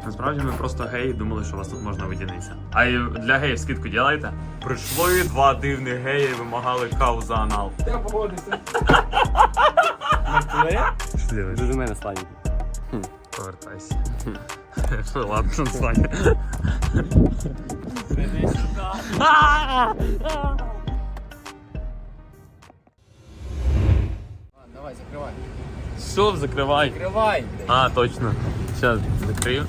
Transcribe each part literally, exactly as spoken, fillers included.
Насправді ми просто геї і думали, що вас тут можна видінитися. А і для геїв скидку ділайте? Прийшли два дивних геї і вимагали каву за анал. Я погодився. Що ти робиш? До мене славі. Повертайся. Ладно, Саня. Давай, закривай. Що, закривай. Закривай. А, точно. Сейчас закрою.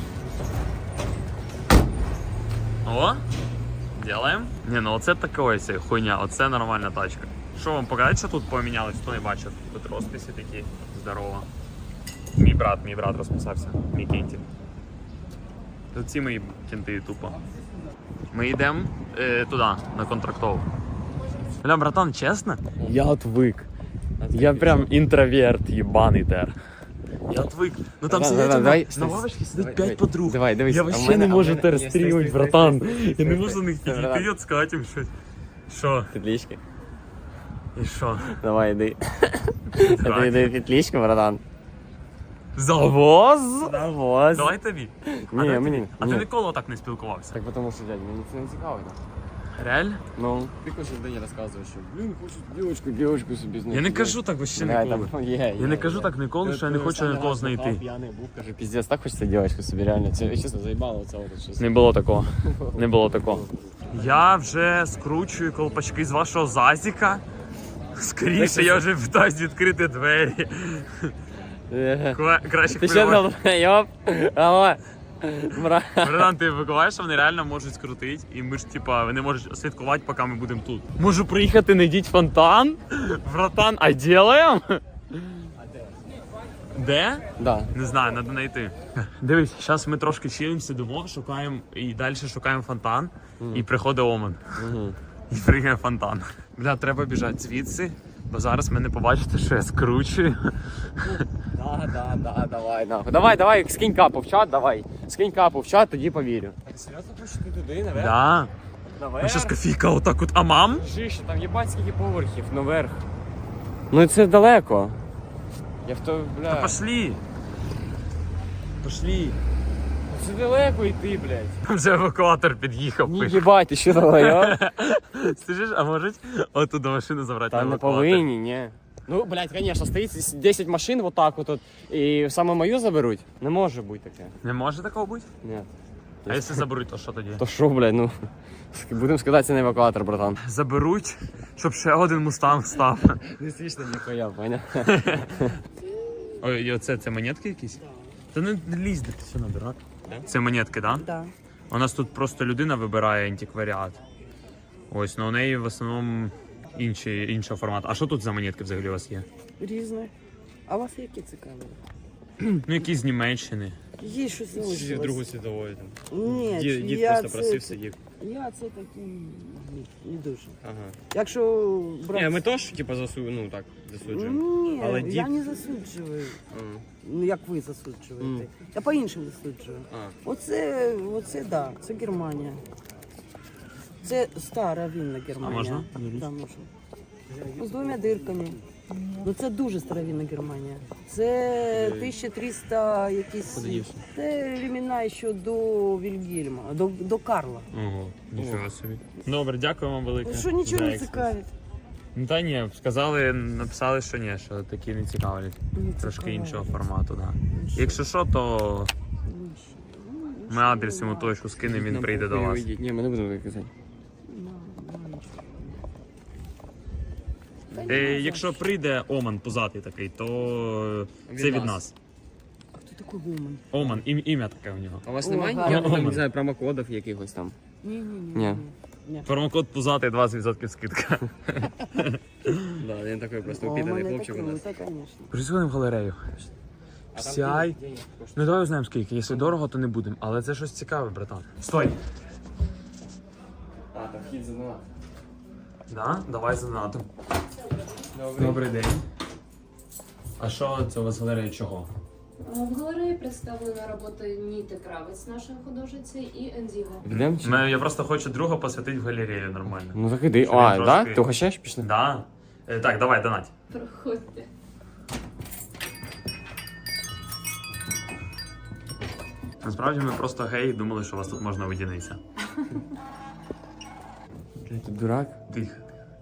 О, делаем. Не, ну оце таке ось хуйня, оце нормальна тачка. Що вам показати, що тут помінялось, хто не бачив? Тут розписи такі, здорово. Мій брат, мій брат розписався, мій кінті. Тут ці мої кінти тупо. Ми йдемо е, туди, на контрактову. Бля, братан, чесно? Я отвик. Я прям інтроверт, єбаний тер. Я отвик. Ну там Да, сидять да, на, давай, на лавочці сидить п'ять подруг. Давай, дивись. Я а в вообще мене- не а в можу мене- тер Ні, стой, стрімити, стой, братан. стой, Я стой, не стой. можу на них Стой, підійти, братан. от сказати їм щось. Що? Петлички. І що? Давай, йди. Іди, йди петличку, братан. Завоз? Завоз. Давай тобі. А Ні, давай мені. тобі. А ні. ти ніколи так не спілкувався? Так тому що, дядь, мені це не цікаво. Реально? Ну, ти кожен день розказуєш, що блін, хочу дівчинку, дівчинку собі знайти. Я не кажу так вообще Бля, ніколи. там є, Я не є, кажу є. так ніколи, Ти- що я не ти хочу останній нікого раз знайти. бухав, п'яний був, каже, піздець, так хочеться дівчинку собі, реально. Це, чесно, заїбало оце от щось. Не було такого. Не було такого. Я вже скручую колпачки з вашого зазіка. Скоріше, я вже питаюсь відкрити двері. Е. Кла- Краще Ти що хвилювати. там, йоп? Алло. Бра. Братан, ти викуваєш, що вони реально можуть скрутити, і ми ж, типа, вони можуть слідкувати, поки ми будемо тут. Можу приїхати, найдіть фонтан? Братан, а ділаємо? Де? Да. Не знаю, треба знайти. Дивись, зараз ми трошки чилим, сидимо, шукаємо і далі шукаємо фонтан, і приходить Оман. І прийде фонтан. Бля, треба біжати звідси, бо зараз мене побачите, що я скручую. Да, да, да, давай, нахуй. Давай, давай, скинь капу в чат, давай. Скинь капу в чат, тоді повірю. Ти серйозно хочеш ти туди, наверх? Да. Наверх? Ну щас кофійка отак от, а мам? Жище, там єбать скільки поверхів, наверх. Ну це далеко. Я в то, бля. Та пошли. Пошли. Це далеко йти, блядь. Там вже евакуатор під'їхав. Ні, пише. їбать, ти що давай, а? Скажеш, а можуть отуда машину забрати Та на не евакуатор? повинні, ні. Ну, блядь, конечно, стоїть десять машин вот так вот, і саме мою заберуть. Не може бути таке. Не може такого бути? Ні. А якщо заберуть, то що тоді? То що, блядь, ну. Будемо скидатися на евакуатор, братан. Заберуть, щоб ще один мустанг став. Не смішно ніхуя, поняв? Ой, і оце це монетки якісь? Та не лізь, де ти все набирати. Це монетки, так? Да? Да. У нас тут просто людина вибирає антикваріат. Ось, ну у неї в основному інші, іншого формату. А що тут за монетки взагалі у вас є? Різне. А у вас які цікаві? Ну, якісь з Німеччини. Є щось залишилось. світової там. Ні, Дід, дід я просто це, просив сидів. Я це такий не, не дуже. Ага. Якщо брати... Ні, ми теж, типу, засу... ну, так, засуджуємо. Ні, Але я дід- не засуджую. Ага. Ну, як ви засуджуєте. Мгм. Я по-іншому засуджую. А. Оце, оце, да, це Германія. Це стара винна Германія. А можна? Да, можна. Ну, з двома дирками. Ну це дуже старовинна Германія. Це тисяча триста якісь. Подивився. Це времена ще до Вільгельма, до, до Карла. Ого, нічого собі. Добре, дякую вам велике. Ну що нічого за не екскурс. цікавить? Ну та ні, сказали, написали, що ні, що такі не цікавлять. Не Трошки цікавить. іншого формату, так. Да. Якщо що, то ми адрес йому точку скинемо, він прийде до вас. Ні, ми не будемо так казати. Е, якщо прийде Оман пузатий такий, то Від це від нас. нас. А хто такий Гуман? Оман, ім, ім'я таке у нього. А у вас О, немає гарно. ніяких, там, Оман. не знаю, промокодів якихось там? Ні, ні, ні. Ні. ні. Промокод пузатий двадцять відсотків скидка. Да, він такий просто О, упітаний мене хлопчик у таке, нас. ну, та, звісно. Присходимо в галерею. Сяй. Ну давай узнаємо скільки. Якщо дорого, то не будемо. Але це щось цікаве, братан. Стой! А, там вхід за нас. Да? Давай за НАТО. Добрий. Добрий день. А що це у вас галерея чого? В галереї представлена робота Ніти Кравець, нашої художниці, і Ендіго. Йдемо чи? Мене- Я просто хочу друга посвятити в галерею нормально. Ну так іди. Щоб А, він да? трошки- Ти угощаєш? Пішли? Да. Е, так, давай, донать. Проходьте. Насправді ми просто геї думали, що у вас тут можна видінитися. Ти тут дурак? Тихо.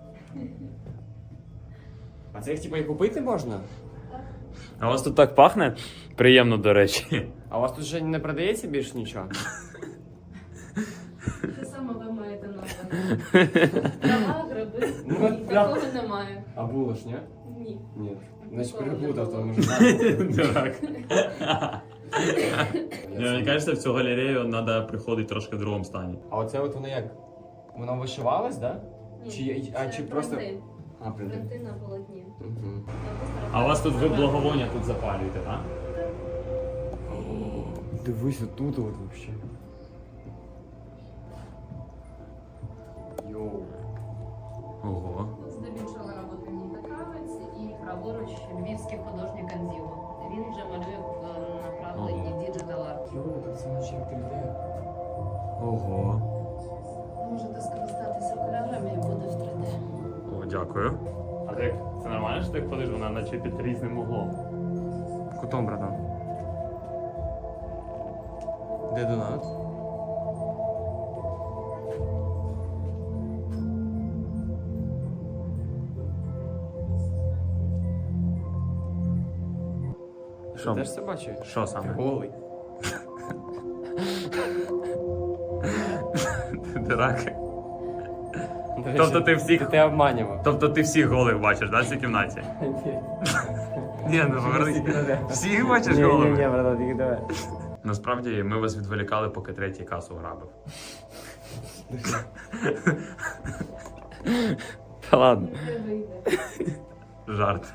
А це їх типу і купити можна? А у вас тут так пахне? Приємно, до речі. А у вас тут вже не продається більше нічого? Те саме ви маєте назвати. Трава, гриби. Ну, Ні, да. такого немає. А було ж, ні? Ні. Ні. Значить Ніколи не переплутав, було. тому що Дурак. Мені кажеться, в цю галерею треба приходити трошки в другому стані. А оце от воно як? Воно вишивалось, да? Ні. Чи, а, Це чи просто... принти. А, принти. Принти на полотні. Угу. А у вас тут ви благовоння тут запалюєте, так? Дивись, отут от вообще. Йоу. Ого. Здебільшого роботи Ніта Кравець і праворуч львівський художник Анзіло. Він вже малює в направленні діджитал арт. Йоу, тут це наче як три де. Ого. Можете скористатися окулярами і буде в три де. О, дякую. А ти це нормально, що ти ходиш, вона наче під різним углом. Кутом, братан. Де донат? Що? Ти теж це бачиш? Що саме? Голий. Дурак. Тобто ти всіх- Ти, ти обманював. Тобто ти всіх голих бачиш, да, в цій кімнаті? Ні, ну повернись. Всіх бачиш Ні, ні, ні, голих? братан, тільки давай. Насправді ми вас відволікали, поки третій касу грабив. Та ладно. Не вийде. Жарт.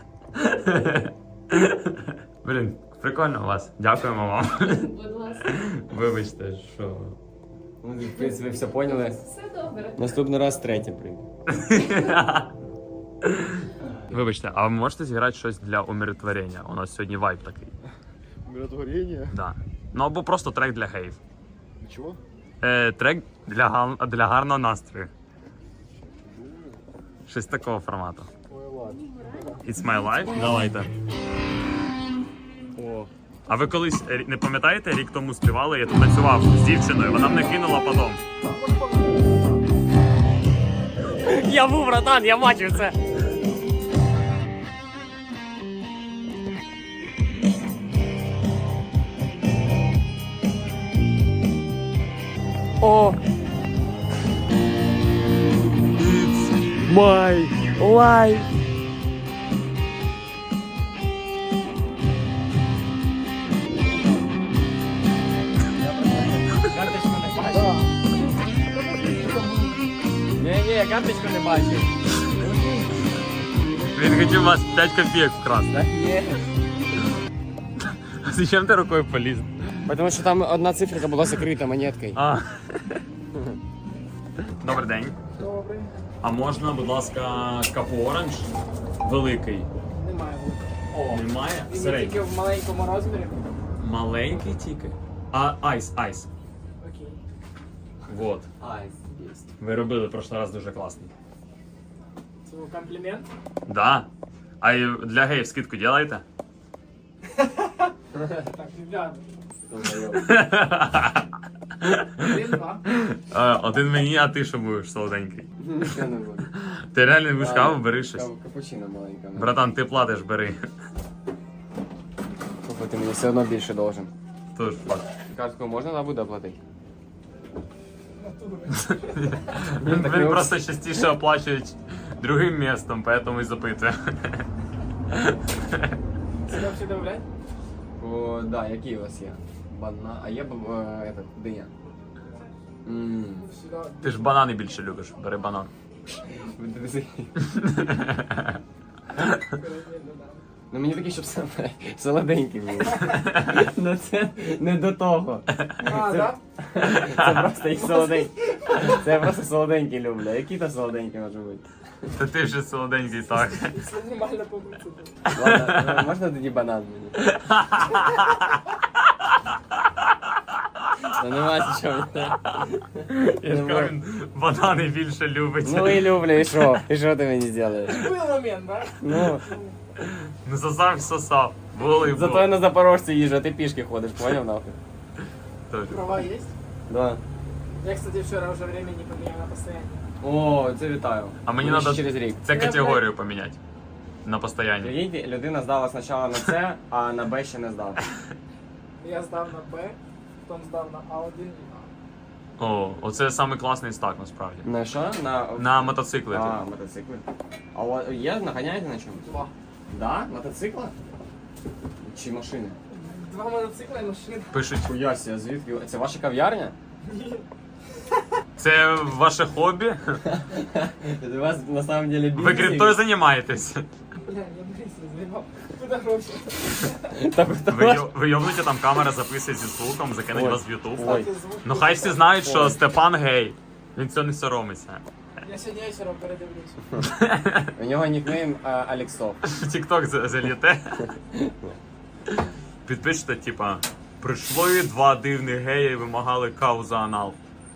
Блін, прикольно у вас. Дякуємо вам. Будь ласка. Вибачте, що. Ну, в принципі, все поняли. Все добре. Наступний раз третє прийде. Вибачте, а ви можете зіграти щось для умиротворення? У нас сьогодні вайб такий. Умиротворение? Да. Ну або просто трек для геїв. Чего? Е, трек для, гал- для гарного настрою. Щось такого формату. Ой, ладно. It's my life? Давайте. О, А ви колись рі- не пам'ятаєте, рік тому співали, я тут танцював з дівчиною, вона мене кинула потом. Я був, братан, я бачив це. О! It's my life! Карточку не бачив. Ні-ні, я карточку не бачив. Він хотів у вас п'ять копійок вкрасти. Так є. А зачем ти рукою поліз? Тому що там одна циферка була закрита монеткою. А. Добрий день. Добрий. А можна, будь ласка, капу оранж великий? Немає. О, немає? Він є Середній. тільки в маленькому розмірі. Маленький тільки. А, айс, айс. Окей. Вот. Айс, є. Ви робили в прошлий раз дуже класний. Це був комплімент. Да. А і для геїв скидку делаєте? Так, ребята. Один-два. Е, Один мені, а ти що будеш солоденький? Нічого не буде. Ти реально будеш каву, бери щось. Каву- Капучино маленька. Братан, ти платиш, бери. Слухай, ти мені все одно більше должен. Тож факт. Картку можна на буде оплатити? Він, Так він не просто частіше оплачує другим містом, поэтому і запитує. Це взагалі добавлять? О, да, які у вас є? Бана... А є б, е, этот, диня? Ммм. Сюди. Ти ж банани більше любиш, бери банан. Ну мені такі, щоб саме солоденькі були. Ну це не до того. А, Це- так? Це просто їх солоденькі. Це я просто солоденькі люблю. Які то солоденькі може бути? Та ти вже солоденький так. Це нормально побути. Ладно, ну, можна тоді банан мені? Та нема чого. Я ж кажу, він банани більше любить. Ну і люблю, і що? І що ти мені зробиш? Був момент, так? Ну, Ну сосав, сосав. Були, зато були. я на Запорожці їжджу, а ти пішки ходиш, поняв нахуй? Тоже. Права есть? Да. Я, кстати, вчера уже время не поменял на постоянно. О, це вітаю. А мені Буде надо ще через рік. це категорію поміняти. На постоянні. Прикиньте, людина здала спочатку на С, а на Б ще не здав. Я сдав на Б, потом сдав на А один і А. О, оце самий класний стак насправді. На що? На... На мотоцикли. А, мотоцикли. А у вас є, наганяєте на чому? Два. Да? Мотоцикла? Чи машини? Два мотоцикла і машина. Пишуть. Хуяся, звідки? Це ваша кав'ярня? Це ваше хобі? У вас на самом деле Ви криптою займаєтесь? Бля, я быстро заебал. Куда гроші? Ви, йо- ви йобнуті, там камера записує зі звуком, закинуть Ой. вас в Ютуб. Ой. Ну хай всі знають, що Ой. Степан гей. Він цього не соромиться. Я сьогодні вечором передивлюсь. У нього нікнейм а, Алексов. В Тік-Ток за- заліте. Підпишете, типа, прийшли два дивних геї і вимагали каву за анал.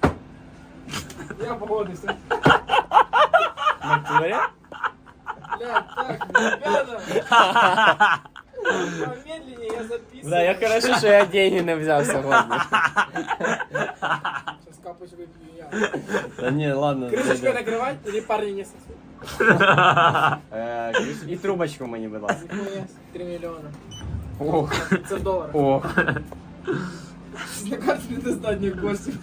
Я погодився. Натурі? Блядь, так, ребята. Помедленнее я записываю. Да, я хорошо, що я деньги не взяв сьогодні. Сейчас капуч выпью я. Та ні, ладно. Крышечкой накрывать или парни не сосут? Е, І трубочку мені, будь ласка. Нихуя, три миллиона. Ох, Це в доларах. ох. На карті не достатньо коштів.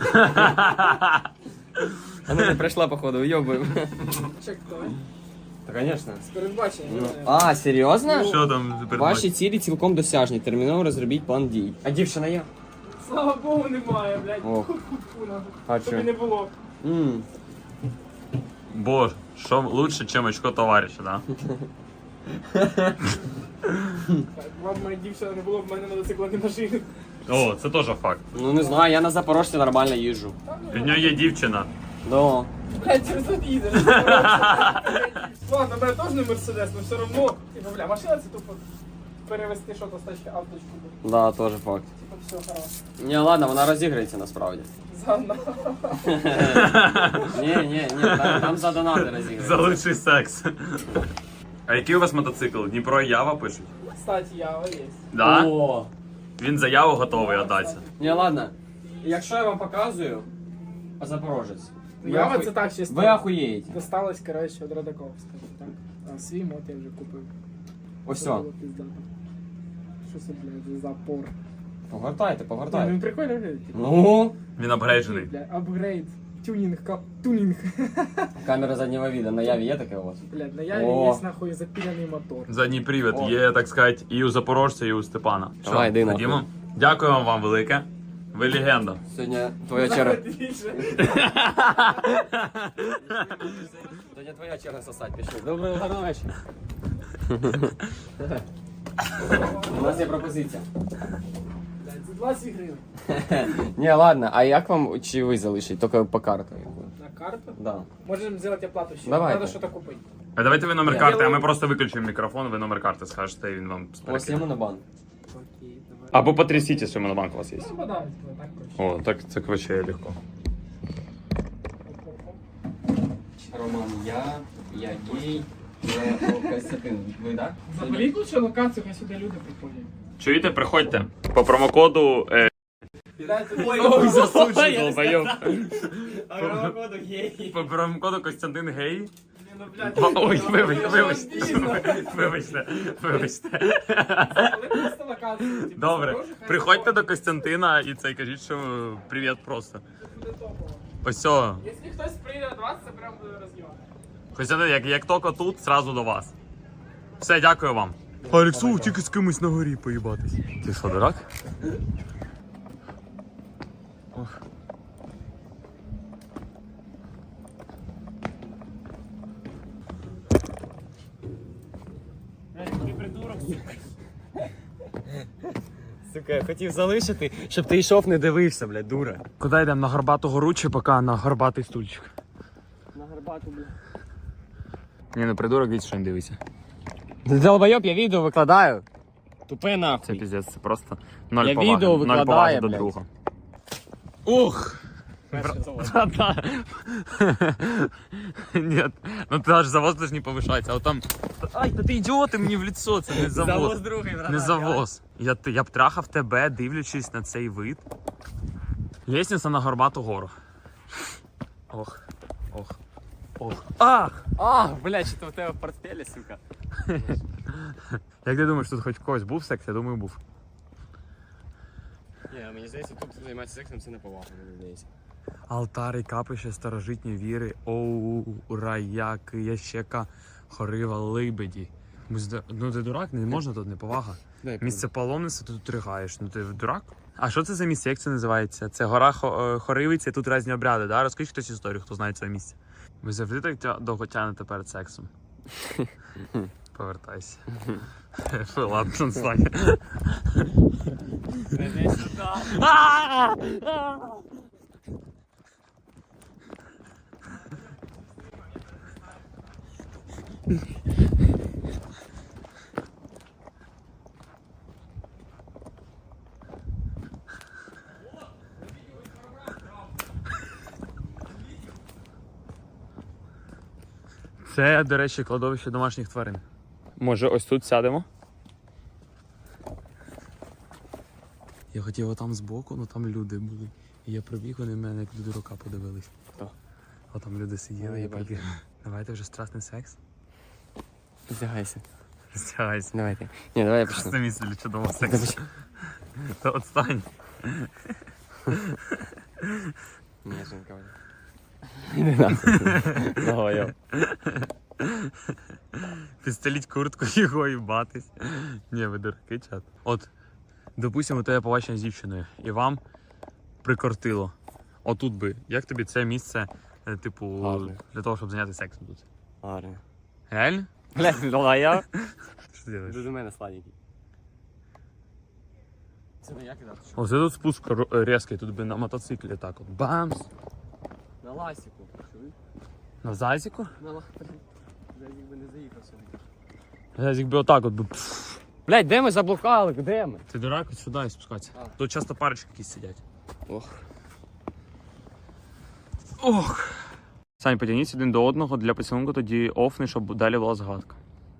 Вона не прийшла, походу, уйобуємо. Чек той. Та, звісно. З передбачення. Ну, не знаю. а, серйозно? Що там тепер? Ваші цілі цілком досяжні. Терміново розробіть план дій. А дівчина є? Слава Богу, немає, блядь. Ох. Фу-фу-фу, нахуй. А Тобі чо? не було. Ммм. Бо, що лучше, чим очко товариша, да? Так, вам моя дівчина не було, в мене мотоцикла не машини. О, це теж факт. Ну не знаю, я на Запорожці нормально їжджу. В нього є дівчина. Да. Блядь, через тут їдеш. Ладно, в мене теж не Мерседес, но все равно. Типа, бля, машина це тупо перевести що то з тачки а в точку. Б. Да, теж факт. Типа, все хорошо. Ні, ладно, вона розіграється насправді. Занна. Ні, ні, ні, там, там за донати розіграється. За лучший секс. А який у вас мотоцикл? Дніпро і Ява пишуть? Кстати, Ява є. Да? О! Він за Яву готовий віддатися. Ні, ладно. Якщо я вам показую, Запорожець. ви Ява аху- це так чисто. Ви ахуєєте. Досталось, коротше, від Родаковського. Так. А свій мот я вже купив. Ось Це все. було пиздато. Що це, блядь, за запор? Погортайте, Ні, погортайте. ну прикольно виглядить. Ну, Він апгрейджений. Бля, апгрейд. Тюнінг, кап, тюнінг. камера заднього віду. На яві є таке у вас? Блядь, на Яві О. є нахуй запіляний мотор. Задній привід О. є, так сказати, і у Запорожця, і у Степана. Давай, Що, йди нахуй. ходімо? Дякую вам велике. Ви легенда. Сьогодні твоя черга. Більше. Сьогодні твоя черга сосать, пішли. Доброго гарного вечора. У нас є пропозиція. Блядь, за двадцять гривень. Ні, ладно, а як вам чи ви залишить? Тільки по карту. На карту? Да. Можемо зробити оплату ще. Давайте. Надо щось купити. А давайте ви номер Я карти, а делаю- ми просто виключимо мікрофон, ви номер карти скажете, і він вам У вас є перекине. монобанк? Окей, давай. Або потрясіть, що монобанк у вас є. Ну, подай, так коротше. О, так це вообще легко. Роман, я, я гей, я Костянтин. Ви, так? Заберіть лучше локацію, хай сюди люди приходять. Чуєте, приходьте. По промокоду... Е... Ой, засуджу, долбойоб. А промокоду гей. По промокоду Костянтин Гей. Ні, ну, блядь, Ой, ну, вибачте, ну, вибачте, обідно. вибачте, вибачте. Але просто локацію. типу, Добре, Запорожжя, хай приходьте до приходять. Костянтина і це кажіть, що привіт просто. Буде топово. Ось о. Якщо хтось прийде до вас, це прям буде роз'єм. Костянтин, як, як тільки тут, зразу до вас. Все, дякую вам. Алексу, тільки з кимось на горі поїбатись. Ти що, дурак? Ох. Сука, я хотів залишити, щоб ти йшов, не дивився, блядь, дура. Куди йдемо? На горбату гору чи поки на горбатий стульчик? На гарбату, блядь. Ні, ну придурок, дивіться, що не дивися. Долбойоб, я відео викладаю. Тупе Це нахуй. піздець, це просто ноль Я поваги. відео Ноль викладаю, поваги до блядь. друга. Ух! Да-да. Нет, ну ты аж завоз даже не повышается, а вот там... Ай, да ты идиот, ты мне в лицо, це не завоз. другий, Не завоз. Я, ти- я б трахав тебе, дивлячись на цей вид. Лестниця на горбату гору. Ох, ох, ох. Ах! А, блядь, що то в тебе в портфелі, сука. Як ти думаєш, тут хоч в когось був секс? Я думаю, був. Ні, мені здається, тут займатися сексом це не повага, мені здається. Алтари, капище, старожитні віри, оу, раяки, ящека, хорива, либеді. Ми зда- Ну ти дурак, не можна тут, неповага. Дай Місце паломництва, ти тут ригаєш, ну ти дурак? А що це за місце, як це називається? Це гора Хо- е, Хоривиця, тут різні обряди, да? Розкажіть хтось історію, хто знає це місце. Ви завжди так тя- довго тягнете перед сексом? Повертайся. Фу, ладно, Саня. Іди сюди. Це, до речі, кладовище домашніх тварин. Може, ось тут сядемо? Я хотів отам збоку, але там люди були. І я пробіг, вони в мене як до дурака подивились. Хто? А там люди сиділи, Ой, я я бачу. пробіг. Давайте вже страсний секс. Роздягайся. Роздягайся. Давайте. Ні, давай я почну. Це місце для чудового сексу. Та отстань. Ні, жінка. Іди нахуй. Давай, я. Підстеліть куртку його і батись. Ні, ви дураки, чат. От, допустимо, те побачення з дівчиною, і вам прикортило. Отут би. Як тобі це місце, е, типу, Гарне. для того, щоб зайнятися сексом тут? Гарно. Реально? Блядь, давай я. Що ти робиш? Іди до мене, сладенький. Це не я кидав, чи що? Оце тут спуск ро- різкий, тут би на мотоциклі так от. Бамс! На ласіку. Чуєш? На зазіку? На ласіку. Зазік би не заїхав сюди. Зазік би отак от би. пф. Блядь, де ми заблукали? Де ми? Ти дурак, от сюди і спускатися. А. Тут часто парочки якісь сидять. Ох. Ох. Сань, потягніться один до одного для поцілунку, тоді офни, щоб далі була згадка.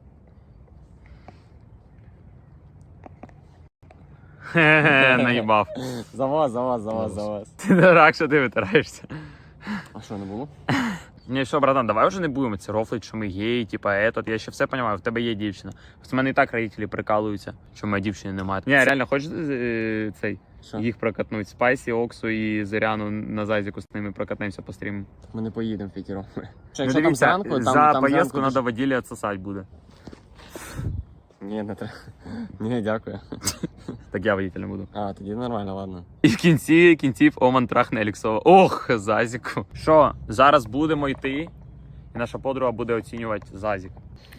Хе-хе, наїбав. За вас, за вас, за вас, за вас. Ти дурак, що ти витираєшся. А що, не було? Ні, що, братан, давай вже не будемо це рофлить, що ми геї, типа етот. Я ще все розумію, в тебе є дівчина. В мене і так родителі прикалуються, що моєї дівчини немає. Ні, реально, хочеш е, цей, Що? їх прокатнуть? Спайсі, Оксу і Зоряну на зазіку з ними прокатнемося по стріму. Ми не поїдемо в п'ятером. Що, Ну, якщо там дивіться, зранку, там, за там поїздку зранку треба воділі відсосати буде. Ні, не треба. Ні, дякую. Так я водителем буду. А, тоді нормально, ладно. І в кінці кінців Оман трахне Еліксова. Ох, Зазіку. Що, зараз будемо йти, і наша подруга буде оцінювати Зазік.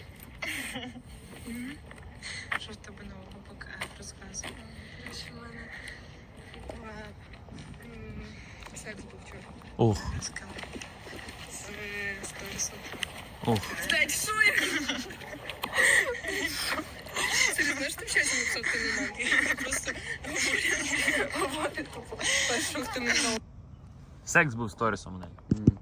Що в тебе нового поки розказує? Що в мене е, м, секс був вчора. Ох, Цікаво. З сторісом. ох. Блядь, що я? Ти не знаєш, ти в часі написав, ти не мав. Я просто говорю, говорю, тупо. Що хто не мав. Секс був сторісом у неї.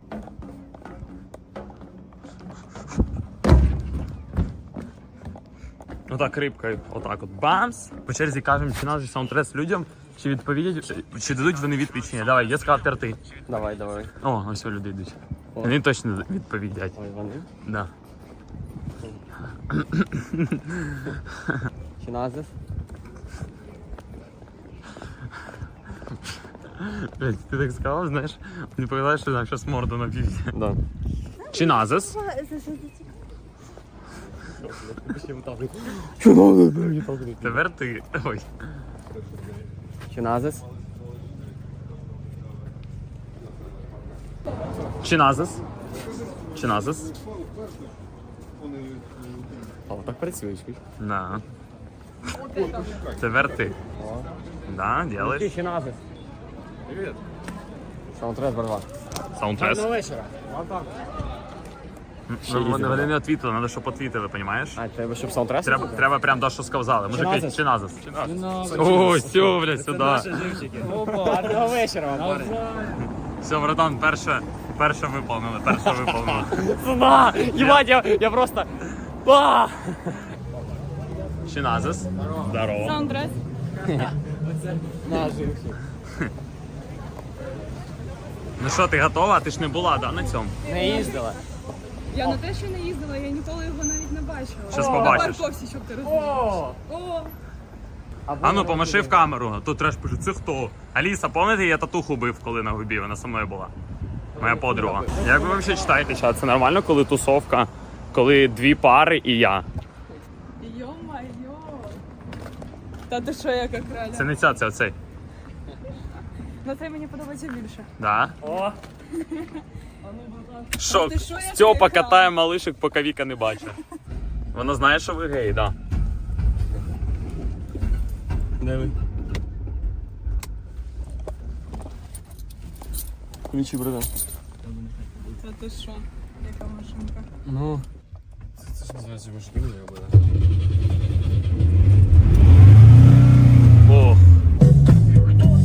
Отак рибкою, отак от бамс. По черзі кажемо, чи наш саундтрес людям, чи відповідять, чи дадуть вони відповідь, чи ні. Давай, я сказав терти. Давай, давай. О, ось люди йдуть. О. Вони точно відповідять. Ой, вони. Да. Чи назис? Блять, ти так сказав, знаєш, мені показалось, що нам зараз морду наб'ють. Да. Чи назис? Чи назис, блядь? Тепер ти. Ой. Чи назис? Чи назис? Чи назис? А, так працюєш, чуєш? Да. Тепер ти. Да, делаєш. Чи назис? Привіт. Саундтрес, братва. Саундтрес. вечора. Ну, Вони вони не відвітили, треба, щоб відвітили, розумієш? А, треба, щоб саундтрес? Треба, треба прям то, що сказали. Мужики, назис? чи назис? О, все, блядь, сюди. Опа, гарного вечора вам, парень. Все, братан, перше, перше виповнили, перше виповнили. Сюда! Ебать, я, я просто... А! Чи назис? Здорово. Саундтрес. Наживши. Ну що, ти готова? Ти ж не була, да, на цьому? Не їздила. Я на те, що не їздила, я ніколи його навіть не бачила. Щас На побачиш. парковці, щоб ти розумієш. О! О, А ну, помаши в камеру. Тут треш пише, це хто? Аліса, пам'ятаєте, я татуху бив, коли на губі, вона со мною була. Моя подруга. Як ви взагалі читаєте, чат? Це нормально, коли тусовка, коли дві пари і я? йо-майо. Та ти що, яка краля? Це не ця, це оцей. На це мені подобається більше. Да? О! Що, ти що, я Стьопа приїхала? катає малишок, поки Віка не бачить. Вона знає, що ви гей, да. Диви. Ключі, братан. Та ти що, яка машинка? Ну. Це ж називається машина, я